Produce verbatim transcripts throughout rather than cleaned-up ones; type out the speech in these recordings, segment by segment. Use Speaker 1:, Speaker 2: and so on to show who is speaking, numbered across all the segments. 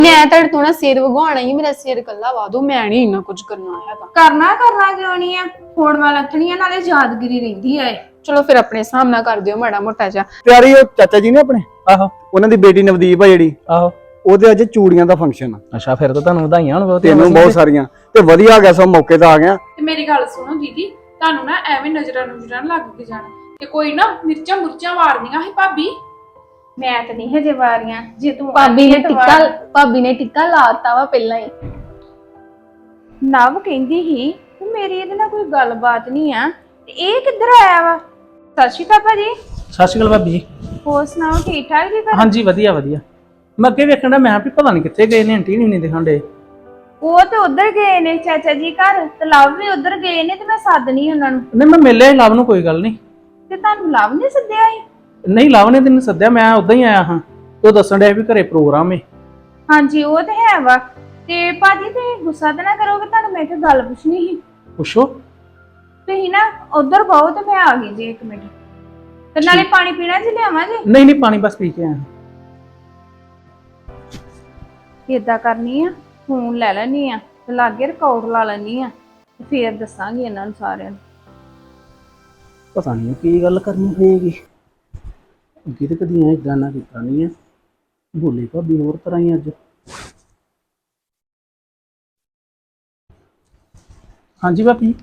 Speaker 1: मैं तेरे तो ना सिर वगवाना ही मेरा सिर कल्ला वादो मैं नहीं इन्ना कुछ करना है
Speaker 2: करना करना क्यों नहीं है फोन वाला रखनी है नाले यादगिरी रहिंदी है।
Speaker 1: चलो फिर अपने सामना कर दियो माड़ा मोटा जा
Speaker 3: ਪਿਆਰੀ ਉਹ ਚਾਚਾ ਜੀ ਨੇ ਆਪਣੇ
Speaker 4: ਆਹੋ
Speaker 3: ਉਹਨਾਂ ਦੀ ਬੇਟੀ ਨਵਦੀਪ ਆ ਜਿਹੜੀ
Speaker 4: ਆਹੋ
Speaker 3: ਉਹਦੇ ਅੱਜ ਚੂੜੀਆਂ ਦਾ ਫੰਕਸ਼ਨ ਆ
Speaker 4: ਅੱਛਾ ਫਿਰ ਤਾਂ ਤੁਹਾਨੂੰ ਵਧਾਈਆਂ ਹੋਣ ਬਹੁਤ
Speaker 3: ਤੈਨੂੰ ਬਹੁਤ ਸਾਰੀਆਂ ਤੇ ਵਧੀਆ ਆ ਗਿਆ ਸੋ ਮੌਕੇ ਤੇ ਆ ਗਿਆ
Speaker 5: ਤੇ ਮੇਰੀ ਗੱਲ ਸੁਣੋ ਦੀਦੀ ਤੁਹਾਨੂੰ ਨਾ ਐਵੇਂ ਨਜ਼ਰਾਂ ਨਜ਼ਰਾਂ ਲੱਗ ਕੇ ਜਾਣਾ ਤੇ ਕੋਈ ਨਾ ਮਿਰਚਾਂ ਮੁਰਚਾਂ ਮਾਰਨੀਆਂ ਸੀ ਭਾਬੀ
Speaker 2: मैं तो नहीं हजे वारियां जे तू
Speaker 1: भाभी ने टिक्का भाभी ने टिक्का लाता वा पहला ही
Speaker 2: नव कहंदी ही कि मेरी ਇਹਦੇ ਨਾਲ ਕੋਈ ਗੱਲਬਾਤ ਨਹੀਂ ਆ ਤੇ ਇਹ ਕਿੱਧਰ ਆਇਆ ਵਾ। ਸਤਿ ਸ਼੍ਰੀ ਅਕਾਲ ਭਾਜੀ।
Speaker 4: ਸਤਿ ਸ਼੍ਰੀ ਅਕਾਲ ਭਾਬੀ ਜੀ।
Speaker 2: ਹੋਰ ਸੁਣਾਓ ਠੀਕ ਠਾਕ ਜੀ ਘਰ?
Speaker 4: ਹਾਂਜੀ ਵਧੀਆ ਵਧੀਆ। ਮੈਂ ਅੱਗੇ ਵੇਖਣ ਦਾ ਮੈਂ ਵੀ ਪਤਾ ਨਹੀਂ ਕਿੱਥੇ ਗਏ ਨੇ ਆਂਟੀ ਨਹੀਂ ਨਹੀਂ ਦਿਖਾਂਦੇ।
Speaker 2: ਉਹ ਤੇ ਉਧਰ ਗਏ ਨੇ ਚਾਚਾ ਜੀ ਘਰ ਤੇ ਲਵ ਵੀ ਉਧਰ ਗਏ ਨੇ ਤੇ ਮੈਂ ਸੱਦਣੀ ਉਹਨਾਂ ਨੂੰ।
Speaker 4: ਨਹੀਂ ਮੈਂ ਮਿਲਿਆ ਲਵ ਨੂੰ ਕੋਈ ਗੱਲ ਨਹੀਂ।
Speaker 2: ਤੇ ਤੁਹਾਨੂੰ ਲਵ ਨੇ ਸੱਦਿਆ ਸੀ?
Speaker 4: ਨਹੀਂ ਲਵ ਨੇ ਤੈਨੂੰ ਸੱਦਿਆ ਮੈਂ ਉਦਾਂ ਹੀ ਆਇਆ ਹਾਂ। ਤੂੰ ਦੱਸਣ ਡਿਆ ਵੀ ਘਰੇ ਪ੍ਰੋਗਰਾਮ ਹੈ।
Speaker 2: ਹਾਂਜੀ ਉਹ ਤੇ ਹੈ ਵਾ ਤੇ ਭਾਜੀ ਤੇ ਗੁੱਸਾ ਤਾਂ ਨਾ ਕਰੋਗੇ ਤੁਹਾਨੂੰ ਮੈਂ ਇੱਕ ਗੱਲ ਪੁੱਛਣੀ ਸੀ।
Speaker 4: ਪੁੱਛੋ।
Speaker 2: ਤੁਸੀਂ ਨਾ ਉਧਰ ਬਹੁ ਤੇ ਮੈਂ ਆ ਗਈ ਜੀ ਇੱਕ ਮਿੰਟ ਤੇ ਨਾਲੇ ਪਾਣੀ ਪੀਣਾ ਜੀ ਲਿਆਵਾਂ ਜੀ?
Speaker 4: ਨਹੀਂ ਨਹੀਂ ਪਾਣੀ ਬਸ ਪੀ ਕੇ ਆਇਆ।
Speaker 2: ਏਦਾਂ ਕਰਨੀ ਆ ਫੋਨ ਲੈ ਲੈਣੀ ਆ ਤੇ ਲਾਗੇ ਰਿਕਾਰਡ ਲਾ ਲੈਣੀ ਆ ਤੇ ਫੇਰ ਦੱਸਾਂਗੀ ਇਹਨਾਂ ਨੂੰ ਸਾਰਿਆਂ ਨੂੰ।
Speaker 4: ਪਤਾ ਨਹੀਂ ਕੀ ਗੱਲ ਕਰਨੀ ਹੋਏਗੀ। ਅੱਗੇ ਤੇ ਕਦੀ ਐ ਇਦਾਂ ਨਾ ਕੀਤਾ ਨਹੀਂ ਹੈ। ਭੋਲੇ ਭਾਬੀ ਹੋਰ ਤਰ੍ਹਾਂ ਹੀ ਅੱਜ। ਹਾਂਜੀ ਭਾਬੀ।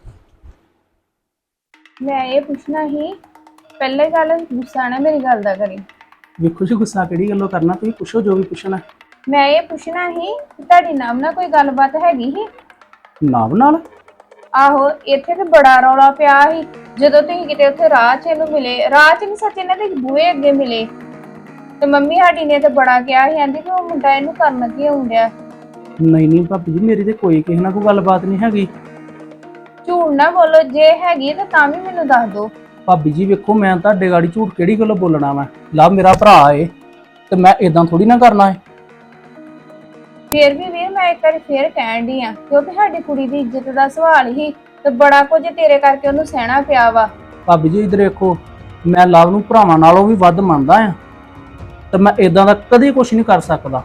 Speaker 2: ਮੈਂ ਇਹ ਪੁੱਛਣਾ ਸੀ ਪਹਿਲੇ ਗੱਲ ਗੁੱਸਾ ਨਾ ਮੇਰੀ ਗੱਲ ਦਾ ਕਰੀ।
Speaker 4: ਵੇਖੋ ਜੀ ਗੁੱਸਾ ਕਿਹੜੀ ਗੱਲੋਂ ਕਰਨਾ ਤੁਸੀਂ ਪੁੱਛੋ ਜੋ ਵੀ ਪੁੱਛਣਾ।
Speaker 2: ਮੈਂ ਇਹ ਪੁੱਛਣਾ ਸੀ ਕਿ ਤੁਹਾਡੀ ਨਾਮ ਨਾਲ ਕੋਈ ਗੱਲਬਾਤ ਹੈਗੀ ਸੀ?
Speaker 4: ਨਾਮ ਨਾਲ?
Speaker 2: ਆਹੋ ਇੱਥੇ ਤੇ ਬੜਾ ਰੌਲਾ ਪਿਆ ਸੀ ਜਦੋਂ ਤੁਸੀਂ ਕਿਤੇ ਉੱਥੇ ਰਾਹ 'ਚ ਇਹਨੂੰ ਮਿਲੇ। ਰਾਹ 'ਚ ਨਹੀਂ ਸੱਚ ਇਹਨਾਂ ਦੇ ਬੂਹੇ ਅੱਗੇ ਮਿਲੇ ਤੇ ਮੰਮੀ ਸਾਡੀ ਨੇ ਤੇ ਬੜਾ ਕਿਹਾ ਸੀ ਕਹਿੰਦੀ ਕਿ ਉਹ ਮੁੰਡਾ ਇਹਨੂੰ ਕਰਨ ਕੀ ਆਉਂਦਿਆ।
Speaker 4: ਨਹੀਂ ਨਹੀਂ ਭਾਬੀ ਜੀ ਮੇਰੀ ਤੇ ਕੋਈ ਕਿਸੇ ਨਾਲ ਕੋਈ ਗੱਲਬਾਤ ਨਹੀਂ ਹੈਗੀ।
Speaker 2: ਝੂਠ ਨਾ ਬੋਲੋ ਜੇ ਹੈਗੀ ਤਾਂ ਤਾਂ ਵੀ ਮੈਨੂੰ ਦੱਸ ਦਿਓ।
Speaker 4: ਭਾਬੀ ਜੀ ਵੇਖੋ ਮੈਂ ਤੁਹਾਡੇ ਗਾੜੀ ਝੂਠ ਕਿਹੜੀ ਗੱਲੋਂ ਬੋਲਣਾ ਵਾ। ਲਵ ਮੇਰਾ ਭਰਾ ਏ ਤੇ ਮੈਂ ਇਦਾਂ ਥੋੜੀ ਨਾ ਕਰਨਾ ਏ।
Speaker 2: ਫੇਰ ਵੀ ਵੀਰ ਮੈਂ ਇੱਕ ਵਾਰੀ ਫੇਰ ਕਹਿਣ ਡਈ ਆ ਕਿਉਂਕਿ ਸਾਡੀ ਕੁੜੀ ਦੀ ਇੱਜ਼ਤ ਦਾ ਸਵਾਲ ਹੀ ਤੇ ਬੜਾ ਕੁਝ ਤੇਰੇ ਕਰਕੇ ਉਹਨੂੰ ਸਹਿਣਾ ਪਿਆ ਵਾ।
Speaker 4: ਭਾਬੀ ਜੀ ਇਧਰ ਵੇਖੋ ਮੈਂ ਲਵ ਨੂੰ ਭਰਾਵਾਂ ਨਾਲੋਂ ਵੀ ਵੱਧ ਮੰਨਦਾ ਆ ਤੇ ਮੈਂ ਇਦਾਂ ਦਾ ਕਦੇ ਕੁਝ ਨਹੀਂ ਕਰ ਸਕਦਾ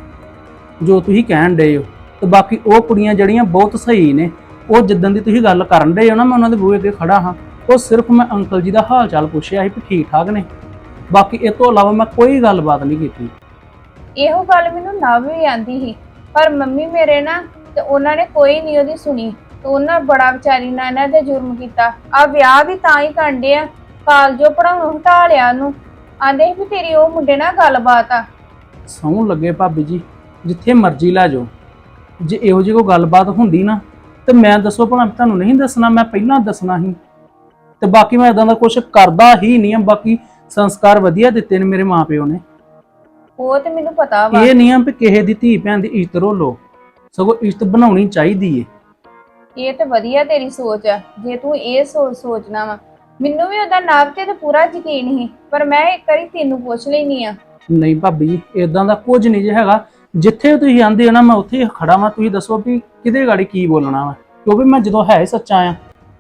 Speaker 4: ਜੋ ਤੁਸੀਂ ਕਹਿਣ ਡਏ ਹੋ। ਤੇ ਬਾਕੀ ਉਹ ਕੁੜੀਆਂ ਜਿਹੜੀਆਂ ਬਹੁਤ ਸਹੀ ਨੇ ਉਹ ਜਿੱਦਣ ਦੀ ਤੁਸੀਂ ਗੱਲ ਕਰਨ ਡਏ ਹੋ ਨਾ ਮੈਂ ਉਹਨਾਂ ਦੇ ਬੂਹੇ ਅੱਗੇ ਖੜਾ ਹਾਂ। ਉਹ ਸਿਰਫ ਮੈਂ ਅੰਕਲ ਜੀ ਦਾ ਹਾਲ ਚਾਲ ਪੁੱਛਿਆ ਸੀ ਵੀ ਠੀਕ ਠਾਕ ਨੇ। ਬਾਕੀ ਇਹ ਤੋਂ ਇਲਾਵਾ ਮੈਂ ਕੋਈ ਗੱਲਬਾਤ ਨਹੀਂ ਕੀਤੀ।
Speaker 2: ਇਹੋ ਗੱਲ ਮੈਨੂੰ ਨਾ ਵੀ ਆਂਦੀ ਸੀ ਪਰ ਮੰਮੀ ਮੇਰੇ ਨਾ ਤੇ ਉਹਨਾਂ ਨੇ ਕੋਈ ਨਹੀਂ ਉਹਦੀ ਸੁਣੀ ਤੇ ਉਹਨਾਂ ਬੜਾ ਵਿਚਾਰੀ ਨਾਲ ਇਹਨਾਂ ਤੇ ਜੁਰਮ ਕੀਤਾ। ਆ ਵਿਆਹ ਵੀ ਤਾਂ ਹੀ ਕਾਂਡੇ ਆ ਕਾਲਜੋਂ ਪੜਾਉਣੋਂ ਹਟਾ ਲਿਆ ਉਹਨੂੰ। ਆਂਦੇ ਵੀ ਤੇਰੀ ਉਹ ਮੁੰਡੇ ਨਾਲ ਗੱਲਬਾਤ ਆ।
Speaker 4: ਸੌਂ ਲੱਗੇ ਭਾਬੀ ਜੀ ਜਿੱਥੇ ਮਰਜ਼ੀ ਲੈ ਜਾਓ ਜੇ ਇਹੋ ਜਿਹੀ ਕੋਈ ਗੱਲਬਾਤ ਹੁੰਦੀ ਨਾ ਤੇ ਮੈਂ ਦੱਸੋ ਭਲਾ ਤੁਹਾਨੂੰ ਨਹੀਂ ਦੱਸਣਾ ਮੈਂ ਪਹਿਲਾਂ ਦੱਸਣਾ ਸੀ। ਤੇ ਬਾਕੀ ਮੈਂ ਇਦਾਂ ਦਾ ਕੁਝ ਕਰਦਾ ਹੀ ਨਹੀਂ ਆ। ਬਾਕੀ ਸੰਸਕਾਰ ਵਧੀਆ ਦਿੱਤੇ ਨੇ ਮੇਰੇ ਮਾਪਿਓ ਨੇ।
Speaker 2: ਉਹ ਤੇ ਮੈਨੂੰ ਪਤਾ ਵਾ।
Speaker 4: ਇਹ ਨਹੀਂ ਆ ਵੀ ਕਿਸੇ ਦੀ ਧੀ ਭੈਣ ਦੀ ਇੱਜ਼ਤ ਰੋਲੋ ਸਗੋਂ ਇੱਜ਼ਤ ਬਣਾਉਣੀ ਚਾਹੀਦੀ ਏ।
Speaker 2: ਇਹ ਤੇ ਵਧੀਆ ਤੇਰੀ ਸੋਚ ਆ ਜੇ ਤੂੰ ਇਹ ਸੋਚ ਸੋਚਣਾ ਵਾ। ਮੈਨੂੰ ਵੀ ਉਹਦਾ ਨਾਮ ਤੇ ਪੂਰਾ ਯਕੀਨ ਸੀ ਪਰ ਮੈਂ ਇੱਕ ਵਾਰੀ ਤੈਨੂੰ ਪੁੱਛ ਲੈਣੀ ਆ।
Speaker 4: ਨਹੀਂ ਭਾਬੀ ਜੀ ਇਦਾਂ ਦਾ ਕੁਝ ਨਹੀਂ ਜੇ ਹੈਗਾ। ਜਿੱਥੇ ਤੁਸੀਂ ਆਂਦੇ ਹੋ ਨਾ ਮੈਂ ਉੱਥੇ ਖੜਾ ਵਾਂ। ਤੁਸੀਂ ਦੱਸੋ ਵੀ ਕਿਹਦੇ ਗਾੜੀ ਕੀ ਬੋਲਣਾ ਵਾ ਕਿਉਂਕਿ ਮੈਂ ਜਦੋਂ ਹੈ ਸੱਚਾ ਆ।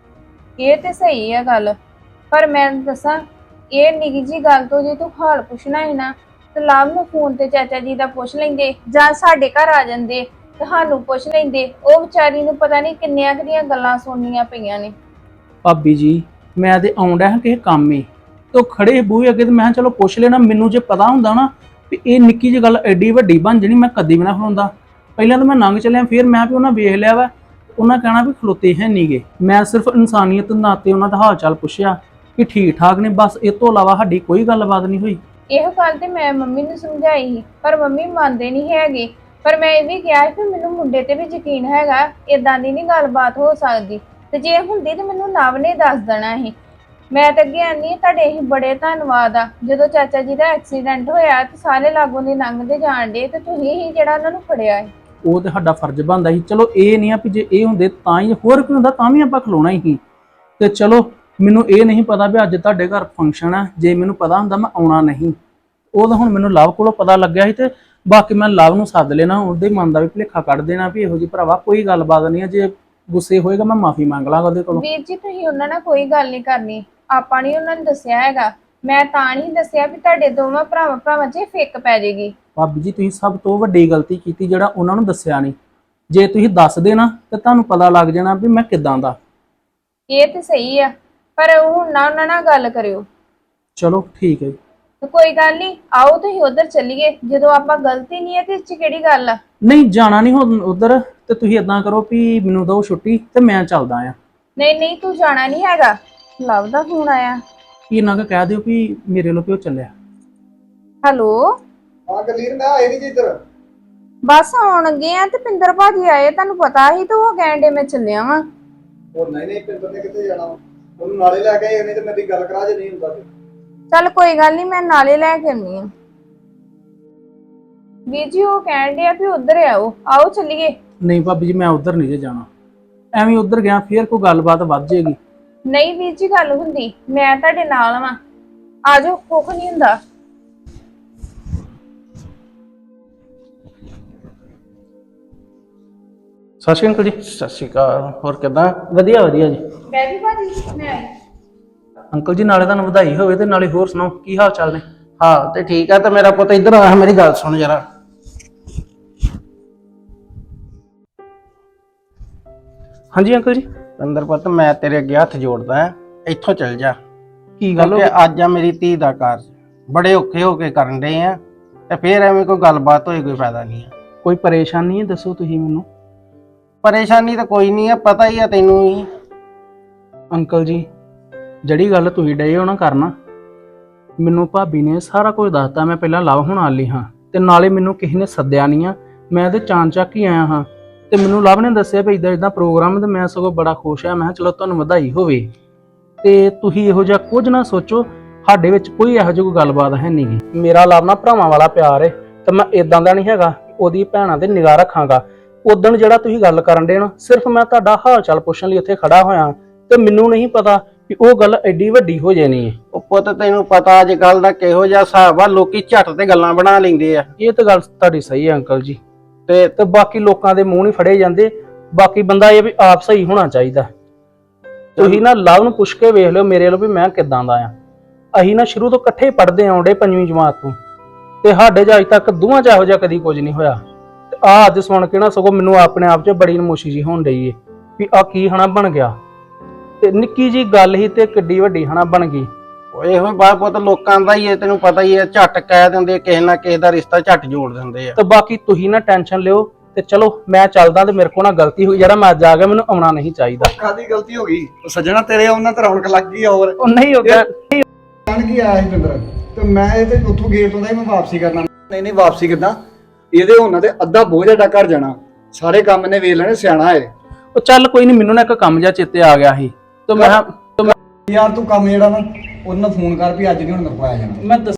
Speaker 2: ਇਹ ਤੇ ਸਹੀ ਆ ਗੱਲ ਪਰ ਮੈਂ ਦੱਸਾਂ ਇਹ ਨਿੱਕੀ ਜੀ ਗੱਲ ਤੋਂ ਜੇ ਤੂੰ ਹਾਲ ਪੁੱਛਣਾ ਹੈ ਨਾ ਤੇ ਲਵ ਨੂੰ ਫੋਨ ਤੇ ਚਾਚਾ ਜੀ ਦਾ ਪੁੱਛ ਲੈਂਦੇ ਜਾਂ ਸਾਡੇ ਘਰ ਆ ਜਾਂਦੇ ਤੁਹਾਨੂੰ ਪੁੱਛ ਲੈਂਦੇ। ਉਹ ਵਿਚਾਰੀ ਨੂੰ ਪਤਾ ਨਹੀਂ ਕਿੰਨੀਆਂ ਕਿੰਨੀਆਂ ਗੱਲਾਂ ਸੁਣਨੀਆਂ ਪਈਆਂ ਨੇ।
Speaker 4: ਭਾਬੀ ਜੀ ਮੈਂ ਤੇ ਆਉਂਦਾ ਹਾਂ ਕਿਸੇ ਕੰਮ ਹੀ ਤੇ ਉਹ ਖੜੇ ਬੂਹੇ ਅੱਗੇ ਤੇ ਮੈਂ ਚਲੋ ਪੁੱਛ ਲੈਣਾ। ਮੈਨੂੰ ਜੇ ਪਤਾ ਹੁੰਦਾ ਨਾ ਵੀ ਇਹ ਨਿੱਕੀ ਜਿਹੀ ਗੱਲ ਐਡੀ ਵੱਡੀ ਬਣ ਜਣੀ ਮੈਂ ਕਦੀ ਵੀ ਨਾ ਖਲੋਂਦਾ। ਪਹਿਲਾਂ ਤਾਂ ਮੈਂ ਲੰਘ ਚੱਲਿਆ ਫਿਰ ਮੈਂ ਵੀ ਉਹਨਾਂ ਵੇਖ ਲਿਆ ਵਾ ਉਹਨਾਂ ਕਹਿਣਾ ਵੀ ਖਲੋਤੇ ਹੈ ਨਹੀਂਗੇ। ਮੈਂ ਸਿਰਫ ਇਨਸਾਨੀਅਤ ਨਾਤੇ ਉਹਨਾਂ ਦਾ ਹਾਲ ਚਾਲ ਪੁੱਛਿਆ ਕਿ ਠੀਕ ਠਾਕ ਨੇ ਬਸ। ਇਹ ਤੋਂ ਇਲਾਵਾ ਸਾਡੀ ਕੋਈ ਗੱਲਬਾਤ ਨਹੀਂ ਹੋਈ।
Speaker 2: ਇਹੋ ਗੱਲ ਤੇ ਮੈਂ ਮੰਮੀ ਨੂੰ ਸਮਝਾਈ ਸੀ ਪਰ ਮੰਮੀ ਮੰਨਦੇ ਨਹੀਂ ਹੈਗੇ। ਪਰ ਮੈਂ ਇਹ ਵੀ ਕਿਹਾ ਕਿ ਮੈਨੂੰ ਮੁੰਡੇ ਤੇ ਵੀ ਯਕੀਨ ਹੈਗਾ ਇਦਾਂ ਦੀ ਨਹੀਂ ਗੱਲਬਾਤ ਹੋ ਸਕਦੀ ਤੇ ਜੇ ਹੁੰਦੀ ਤੇ ਮੈਨੂੰ ਨਵ ਨੇ ਦੱਸ ਦੇਣਾ ਸੀ। ਮੈਂ ਤਾਂ ਅੱਗੇ ਆਨੀ ਤੁਹਾਡੇ ਹੀ ਬੜੇ ਧੰਨਵਾਦ ਆ। ਜਦੋਂ ਚਾਚਾ ਜੀ ਦਾ ਐਕਸੀਡੈਂਟ ਹੋਇਆ ਤੇ ਸਾਰੇ ਲਾਗੋਂ ਦੀ ਲੰਘਦੇ ਜਾਣ ਡੇ ਤੇ ਤੁਸੀਂ ਹੀ ਜਿਹੜਾ ਉਹਨਾਂ ਨੂੰ ਫੜਿਆ ਹੈ।
Speaker 4: ਉਹ ਤੇ ਸਾਡਾ ਫਰਜ਼ ਬਣਦਾ ਸੀ। ਚਲੋ ਇਹ ਨਹੀਂ ਆ ਵੀ ਜੇ ਇਹ ਹੁੰਦੇ ਤਾਂ ਹੀ ਹੋਰ ਕੋਈ ਹੁੰਦਾ ਤਾਂ ਵੀ ਆਪਾਂ ਖਲੋਣਾ ਹੀ ਸੀ। ਤੇ ਚਲੋ ਮੈਨੂੰ ਇਹ ਨਹੀਂ ਪਤਾ ਵੀ ਅੱਜ ਤੁਹਾਡੇ ਘਰ ਫੰਕਸ਼ਨ ਆ। ਜੇ ਮੈਨੂੰ ਪਤਾ ਹੁੰਦਾ ਮੈਂ ਆਉਣਾ ਨਹੀਂ। ਉਹ ਤਾਂ ਹੁਣ ਮੈਨੂੰ ਲਵ ਕੋਲੋਂ ਪਤਾ ਲੱਗਿਆ ਸੀ ਤੇ ਬਾਕੀ ਮੈਂ ਲਵ ਨੂੰ ਸੱਦ ਲੈਣਾ ਉਹਦੇ ਮਨ ਦਾ ਵੀ ਭੁਲੇਖਾ ਕੱਢ ਦੇਣਾ ਵੀ ਇਹੋ ਜਿਹੀ ਭਰਾਵਾ ਕੋਈ ਗੱਲਬਾਤ ਨਹੀਂ ਆ। ਜੇ ਗੁੱਸੇ ਹੋਏਗਾ ਮੈਂ ਮਾਫੀ ਮੰਗ ਲਾਂਗਾ ਉਹਦੇ ਕੋਲੋਂ।
Speaker 2: ਵੀਰ ਜੀ ਤੁਸੀਂ ਉਹਨਾਂ ਨਾਲ ਕੋਈ ਗੱਲ ਨਹੀਂ ਕਰਨੀ। ਆਪਾਂ ਨਹੀਂ ਉਹਨਾਂ ਨੂੰ ਦੱਸਿਆ ਹੈਗਾ। ਮੈਂ ਤਾਂ ਨਹੀਂ ਦੱਸਿਆ ਵੀ ਤੁਹਾਡੇ ਦੋਵਾਂ ਭਰਾਵਾਂ ਭਰਾਵਾਂ 'ਚ ਫਿੱਕ ਪੈ ਜਾਏਗੀ।
Speaker 4: ਭਾਬੀ ਜੀ ਤੁਸੀਂ ਸਭ ਤੋਂ ਵੱਡੀ ਗਲਤੀ ਕੀਤੀ ਜਿਹੜਾ ਉਹਨਾਂ ਨੂੰ ਦੱਸਿਆ ਨਹੀਂ। ਜੇ ਤੁਸੀਂ ਦੱਸ ਦੇਣਾ ਤੇ ਤੁਹਾਨੂੰ ਪਤਾ ਲੱਗ ਜਾਣਾ ਵੀ ਮੈਂ ਕਿੱਦਾਂ ਦਾ।
Speaker 2: ਇਹ ਤੇ ਸਹੀ ਆ, ਪਰ ਹੁਣ ਨਾ ਉਹਨਾਂ ਨਾਲ ਗੱਲ ਕਰਿਓ।
Speaker 4: ਚਲੋ ਠੀਕ ਹੈ ਜੀ।
Speaker 2: ਤੇ ਕੋਈ ਗੱਲ ਨਹੀਂ, ਆਓ ਤੁਸੀਂ ਉਧਰ ਚੱਲੀਏ। ਜਦੋਂ ਆਪਾਂ ਗਲਤੀ ਨਹੀਂ ਹੈ ਤੇ ਇਸ ਚ ਕਿਹੜੀ ਗੱਲ ਆ।
Speaker 4: ਨਹੀਂ ਜਾਣਾ ਨਹੀਂ ਹੁਣ ਉਧਰ, ਤੇ ਤੁਸੀਂ ਇਦਾਂ ਕਰੋ ਵੀ ਮੈਨੂੰ ਦਿਓ ਛੁੱਟੀ ਤੇ ਮੈਂ ਚੱਲਦਾ ਆ।
Speaker 2: ਨਹੀਂ ਨਹੀਂ, ਤੂੰ ਜਾਣਾ ਨਹੀਂ ਹੈਗਾ। ਲਵ ਦਾ ਫੋਨ ਆਇਆ।
Speaker 4: ਕੀ ਇਹਨਾਂ ਕੋ ਕਹਿ ਦਿਓ ਵੀ ਮੇਰੇ ਲੋ ਪਿਓ ਚੱਲਿਆ।
Speaker 2: ਹੈਲੋ,
Speaker 3: ਹਾਂ ਗਲੀਰ ਮੈਂ ਆਏ ਨਹੀਂ ਜੀ ਇੱਧਰ।
Speaker 2: ਬਸ ਆਉਣ ਲੱਗੇ ਆ ਤੇ ਪਿੰਦਰ ਭਾਜੀ ਆਏ, ਤੁਹਾਨੂੰ ਪਤਾ ਹੀ ਤਾਂ ਉਹ ਕਹਿਣ ਡੇ ਮੈਂ ਚੱਲਿਆ ਵਾਂ।
Speaker 3: ਉਹ ਨਹੀਂ ਨਹੀਂ ਪਿੰਦਰ ਨੇ ਕਿੱਥੇ ਜਾਣਾ, ਉਹਨੂੰ ਨਾਲੇ ਲੈ ਕੇ ਆਏ ਨਹੀਂ ਤੇ ਮੇਰੀ ਗੱਲ ਕਰਾ ਜੇ ਨਹੀਂ ਹੁੰਦਾ ਤੇ।
Speaker 2: ਚੱਲ ਕੋਈ ਗੱਲ ਨਹੀਂ, ਮੈਂ ਨਾਲੇ ਲੈ ਕੇ ਆਉਣੀ ਆ। ਵੀਰ ਜੀ ਉਹ ਕਹਿਣ ਡੇ ਆ ਵੀ ਉਧਰ ਆਓ, ਆਓ ਚੱਲੀਏ।
Speaker 4: ਨਹੀਂ ਭਾਬੀ ਜੀ ਮੈਂ ਉਧਰ ਨਹੀਂ ਜੇ ਜਾਣਾ, ਐਵੇਂ ਉਧਰ ਗਿਆ ਫੇਰ ਕੋਈ ਗੱਲਬਾਤ ਵੱਧ ਜਾਏਗੀ।
Speaker 2: ਨਹੀਂ ਵੀਰ ਜੀ, ਗੱਲ ਹੁੰਦੀ, ਮੈਂ ਤੁਹਾਡੇ ਨਾਲ ਵਾਂ। ਆ ਜਾਓ, ਕੁੱਖ ਨਹੀਂ ਹੁੰਦਾ।
Speaker 4: ਸਤਿ ਸ਼੍ਰੀ ਅਕਾਲ ਜੀ।
Speaker 6: ਸਤਿ ਸ਼੍ਰੀ ਅਕਾਲ। ਹੋਰ ਕਿਦਾਂ?
Speaker 4: ਵਧੀਆ ਵਧੀਆ ਜੀ।
Speaker 2: ਬੈਬੀ ਭਾਜੀ ਮੈਂ ਆਈ।
Speaker 4: ਅੰਕਲ ਜੀ ਨਾਲੇ ਤੁਹਾਨੂੰ ਵਧਾਈ ਹੋਵੇ ਤੇ ਨਾਲੇ ਹੋਰ ਸੁਣਾਓ ਕੀ ਹਾਲ ਚਾਲ ਨੇ?
Speaker 6: ਹਾਂ ਤੇ ਠੀਕ ਆ। ਤੇ ਮੇਰਾ ਪੁੱਤ ਇੱਧਰ ਆ, ਮੇਰੀ ਗੱਲ ਸੁਣ ਜਰਾ।
Speaker 4: ਹਾਂਜੀ ਅੰਕਲ ਜੀ।
Speaker 6: ਅੰਦਰ ਪੁੱਤ ਮੈਂ ਤੇਰੇ ਅੱਗੇ ਹੱਥ ਜੋੜਦਾ ਆ, ਇੱਥੋਂ ਚੱਲ ਜਾ।
Speaker 4: ਕੀ ਗੱਲ ਹੋ
Speaker 6: ਕਿਉਂਕਿ ਅੱਜ ਆ ਮੇਰੀ ਧੀ ਦਾ ਕਾਰਜ, ਬੜੇ ਔਖੇ ਹੋ ਕੇ ਕਰਨ ਦੇ ਆ, ਤੇ ਫੇਰ ਐਵੇਂ ਕੋਈ ਗੱਲਬਾਤ ਹੋਏ ਕੋਈ ਫਾਇਦਾ ਨਹੀਂ ਆ।
Speaker 4: ਕੋਈ ਪਰੇਸ਼ਾਨੀ ਹੈ ਦੱਸੋ ਤੁਸੀਂ ਮੈਨੂੰ।
Speaker 6: ਪਰੇਸ਼ਾਨੀ ਤਾਂ ਕੋਈ ਨਹੀਂ ਆ, ਪਤਾ ਹੀ ਆ ਤੈਨੂੰ ਹੀ।
Speaker 4: ਅੰਕਲ ਜੀ ਜਿਹੜੀ ਗੱਲ ਤੁਸੀਂ ਡਏ ਹੋ ਨਾ ਕਰਨਾ, ਮੈਨੂੰ ਭਾਬੀ ਨੇ ਸਾਰਾ ਕੁਝ ਦੱਸਤਾ। ਮੈਂ ਪਹਿਲਾਂ ਲਵ ਹੋਣ ਵਾਲੀ ਹਾਂ ਤੇ ਨਾਲੇ ਮੈਨੂੰ ਕਿਸੇ ਨੇ ਸੱਦਿਆ ਨਹੀਂ ਆ, ਮੈਂ ਤੇ ਚਾਂ ਚੱਕ ਹੀ ਆਇਆ ਹਾਂ। ਤੇ ਮੈਨੂੰ ਲਵ ਨੇ ਦੱਸਿਆ ਵੀ ਇਦਾਂ ਇਦਾਂ ਪ੍ਰੋਗਰਾਮ, ਤੇ ਮੈਂ ਸਗੋਂ ਬੜਾ ਖੁਸ਼ ਆ। ਮੈਂ ਕਿਹਾ ਚਲੋ ਤੁਹਾਨੂੰ ਵਧਾਈ ਹੋਵੇ। ਤੇ ਤੁਸੀਂ ਇਹੋ ਜਿਹਾ ਕੁਝ ਨਾ ਸੋਚੋ, ਸਾਡੇ ਵਿੱਚ ਕੋਈ ਇਹੋ ਜਿਹੀ ਕੋਈ ਗੱਲਬਾਤ ਹੈ ਨਹੀਂ ਗੀ। ਮੇਰਾ ਲਵ ਨਾਲ ਭਰਾਵਾਂ ਵਾਲਾ ਪਿਆਰ ਹੈ, ਤੇ ਮੈਂ ਇਦਾਂ ਦਾ ਨਹੀਂ ਹੈਗਾ ਉਹਦੀ ਭੈਣਾਂ ਤੇ ਨਿਗਾਹ ਰੱਖਾਂਗਾ। ਉਦਣ ਜਿਹੜਾ ਤੁਸੀਂ ਗੱਲ ਕਰਨ ਦੇ ਨਾ, ਸਿਰਫ ਮੈਂ ਤੁਹਾਡਾ ਹਾਲ ਚਾਲ ਪੁੱਛਣ ਲਈ ਉੱਥੇ ਖੜਾ ਹੋਇਆ, ਤੇ ਮੈਨੂੰ ਨਹੀਂ ਪਤਾ ਵੀ ਉਹ ਗੱਲ ਐਡੀ ਵੱਡੀ ਹੋ ਜਾਣੀ ਹੈ।
Speaker 6: ਉਹ ਪੁੱਤ ਤੈਨੂੰ ਪਤਾ ਅੱਜ ਕੱਲ ਦਾ ਕਿਹੋ ਜਿਹਾ ਹਿਸਾਬ ਆ, ਲੋਕੀ ਝੱਟ ਤੇ ਗੱਲਾਂ ਬਣਾ ਲੈਂਦੇ ਆ।
Speaker 4: ਇਹ ਤਾਂ ਗੱਲ ਤੁਹਾਡੀ ਸਹੀ ਹੈ ਅੰਕਲ ਜੀ।
Speaker 6: ਤੇ
Speaker 4: ਤੇ ਬਾਕੀ ਲੋਕਾਂ ਦੇ ਮੂੰਹ ਨਹੀਂ ਫੜੇ ਜਾਂਦੇ। ਬਾਕੀ ਬੰਦਾ ਇਹ ਵੀ ਆਪ ਸਹੀ ਹੋਣਾ ਚਾਹੀਦਾ। ਤੁਸੀਂ ਨਾ ਲਵ ਨੂੰ ਪੁੱਛ ਕੇ ਵੇਖ ਲਿਓ ਮੇਰੇ ਵੱਲੋਂ ਵੀ ਮੈਂ ਕਿੱਦਾਂ ਦਾ ਆ। ਅਸੀਂ ਨਾ ਸ਼ੁਰੂ ਤੋਂ ਇਕੱਠੇ ਪੜ੍ਹਦੇ ਆਉਂਦੇ ਪੰਜਵੀਂ ਜਮਾਤ ਤੋਂ, ਤੇ ਸਾਡੇ 'ਚ ਅੱਜ ਤੱਕ ਦੋਵਾਂ 'ਚ ਇਹੋ ਜਿਹਾ ਕਦੀ ਕੁਝ ਨਹੀਂ ਹੋਇਆ। ਤੇ ਆਹ ਅੱਜ ਸੁਣ ਕੇ ਨਾ ਸਗੋਂ ਮੈਨੂੰ ਆਪਣੇ ਆਪ 'ਚ ਬੜੀ ਨਮੋਸ਼ੀ ਜੀ ਹੋਣ ਡਈ ਏ ਵੀ ਆਹ ਕੀ ਹਨਾ ਬਣ ਗਿਆ। ਤੇ ਨਿੱਕੀ ਜੀ ਗੱਲ ਹੀ ਤੇ ਕਿੱਡੀ ਵੱਡੀ ਹਨਾ ਬਣ ਗਈ।
Speaker 6: ਇਹੋ ਬਾਤ ਪੁੱਤ ਲੋਕਾਂ ਦਾ ਹੀ ਹੈ, ਤੈਨੂੰ ਪਤਾ ਹੀ ਹੈ। ਝੱਟ ਕਹਿ ਦਿੰਦੇ ਕਿਸੇ ਨਾ ਕਿਸੇ ਦਾ ਰਿਸ਼ਤਾ ਝੱਟ ਜੋੜ ਦਿੰਦੇ ਆ।
Speaker 4: ਤੇ ਬਾਕੀ ਤੁਸੀਂ ਨਾ ਟੈਨਸ਼ਨ ਲਿਓ, ਤੇ ਚਲੋ ਮੈਂ ਚੱਲਦਾ। ਤੇ ਮੇਰੇ ਕੋਲ ਨਾ ਗਲਤੀ ਹੋਈ, ਜਿਹੜਾ ਮੈਂ ਅੱਜ ਆ ਗਿਆ, ਮੈਨੂੰ ਆਉਣਾ ਨਹੀਂ ਚਾਹੀਦਾ।
Speaker 3: ਕਾਦੀ ਗਲਤੀ ਹੋ ਗਈ? ਉਹ ਸੱਜਣਾ ਤੇਰੇ ਉਹਨਾਂ ਤੇ ਰੌਣਕ ਲੱਗ ਗਈ। ਹੋਰ
Speaker 4: ਉਹ ਨਹੀਂ ਹੁੰਦਾ।
Speaker 3: ਜਾਣ ਕੀ ਆਇਆ ਸੀ ਪਿੰਦਰ, ਤੇ ਮੈਂ ਇਹ ਤੇ ਉੱਥੋਂ ਗੇਟ ਤੋਂ ਦਾ ਹੀ ਮੈਂ ਵਾਪਸੀ ਕਰਨਾ। ਨਹੀਂ ਨਹੀਂ ਵਾਪਸੀ ਕਿੱਦਾਂ, ਇਹਦੇ ਉਹਨਾਂ ਤੇ ਅੱਧਾ ਬੋਝ ਸਾਡਾ ਘਰ ਜਾਣਾ। ਸਾਰੇ ਕੰਮ ਨੇ ਵੇਖ ਲੈਣੇ, ਸਿਆਣਾ ਹੈ।
Speaker 4: ਉਹ ਚੱਲ ਕੋਈ ਨਹੀਂ, ਮੈਨੂੰ ਨਾ ਇੱਕ ਕੰਮ ਜਿਹਾ ਚੇਤੇ ਆ ਗਿਆ ਸੀ, ਤੇ ਮੈਂ
Speaker 3: ਯਾਰ ਤੂੰ ਕੰਮ ਜਿਹੜਾ ਨਾ ਉਹਨਾਂ ਫੋਨ ਕਰ ਵੀ ਅੱਜ ਨਹੀਂ ਹੁਣ ਮੇਰੇ ਕੋਲ ਆਇਆ ਜਾਣਾ।
Speaker 4: ਮੈਂ ਦੱਸ